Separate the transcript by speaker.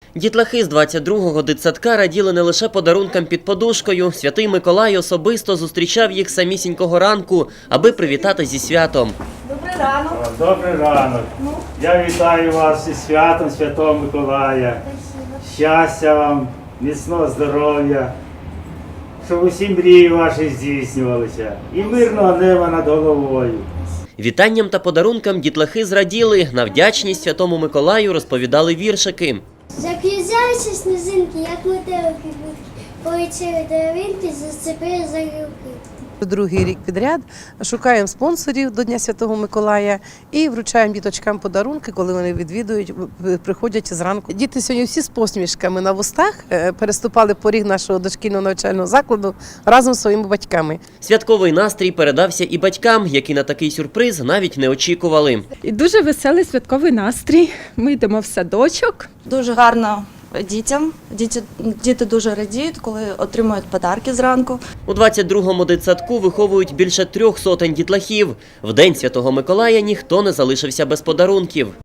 Speaker 1: Дітлахи з 22-го дитсадка раділи не лише подарункам під подушкою. Святий Миколай особисто зустрічав їх самісінького ранку, аби привітати зі святом.
Speaker 2: Добрий ранок.
Speaker 3: Добрий ранок. Я вітаю вас із святом Святого Миколая. Щастя вам, міцного здоров'я, щоб усі мрії ваші здійснювалися. І мирного неба над головою.
Speaker 1: Вітанням та подарункам дітлахи зраділи. На вдячність Святому Миколаю розповідали віршики.
Speaker 4: Закрізяються сніжинки, як метелики, полетіли деревинки, зацепили за гілки.
Speaker 5: Другий рік підряд шукаємо спонсорів до Дня Святого Миколая і вручаємо діточкам подарунки, коли вони відвідують, приходять зранку. Діти сьогодні всі з посмішками на вустах переступали поріг нашого дошкільного навчального закладу разом з своїми батьками.
Speaker 1: Святковий настрій передався і батькам, які на такий сюрприз навіть не очікували.
Speaker 6: І дуже веселий святковий настрій. Ми йдемо в садочок.
Speaker 2: Дуже гарно дітям. Діти дуже радіють, коли отримують подарки зранку.
Speaker 1: У 22-му дитсадку виховують більше 300 дітлахів. В День Святого Миколая ніхто не залишився без подарунків.